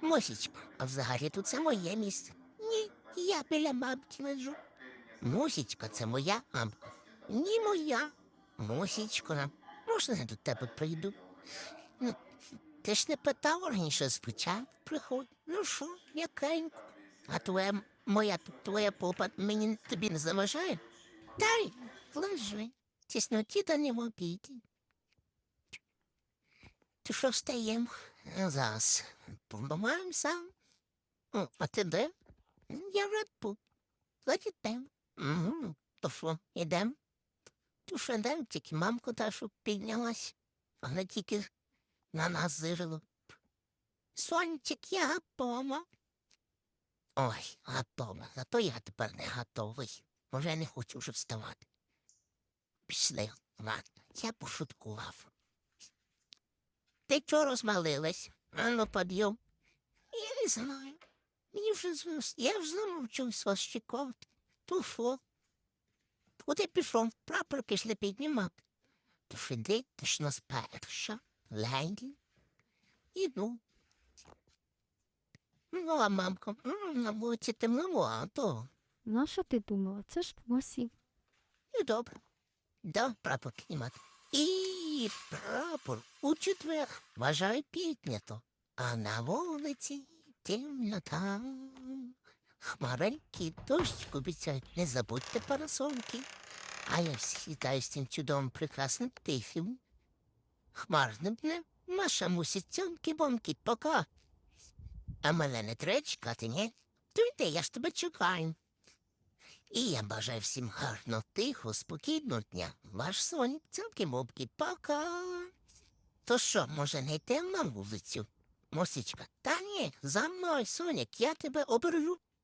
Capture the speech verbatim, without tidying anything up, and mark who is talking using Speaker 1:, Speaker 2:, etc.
Speaker 1: Мусічко, а взагалі тут це моє місце. Ні, я біля мамки лежу. Мусічка, це моя мамка. Ні, моя. Мусічко, можна я до тебе прийду? Ну, ти ж не питав раніше спочатку приходь. Ну що, якенько. А твоя, м- моя, твоя попа мені тобі не заважає? Дай, лежи. Тісноті та не в обіді. Ти що встаєм? Зараз побиваємося. О, а ти де? Я вже тут. Значить, йдем. Угу. То що, йдем? То що йдем, тільки мамку та, що піднялась. Вона тільки на нас зирила. Сончик, я готова. Ой, готова. Зато я тепер не готовий. Може, я не хочу вже вставати. Пішли, ладно, я пошуткував. Ти чого розмалилась? А ну, підйом. Я не знаю. Мені вже звис. Я вже замовчився вас чекати. То що? Куди пішов? Прапор пішли піднімати. То ж іди, ти ж нас перша. Леді. Іду. Ну, а мамка, м, на вулиці темновато.
Speaker 2: Ну, а що ти думала? Це ж осінь.
Speaker 1: І добре. Да, прапор піднімати. І прапор у четвер. Вважаю піднято. А на вулиці темнота. Хмаренький дощ обіцяють, не забудьте парасольки. А я сідаю з цим чудовим прекрасним тихим. Хмарним днем наша мусить цьомки-бомки, пока. А мене не треба чекати, ні? То йди, я ж тебе чекаю. І я бажаю всім гарно, тихо, спокійного дня. Ваш сонік, цьомки-бомки, пока. То що, може, не йдемо на вулицю? Мосічка, та ні, за мною, Сонік, я тебе обережу.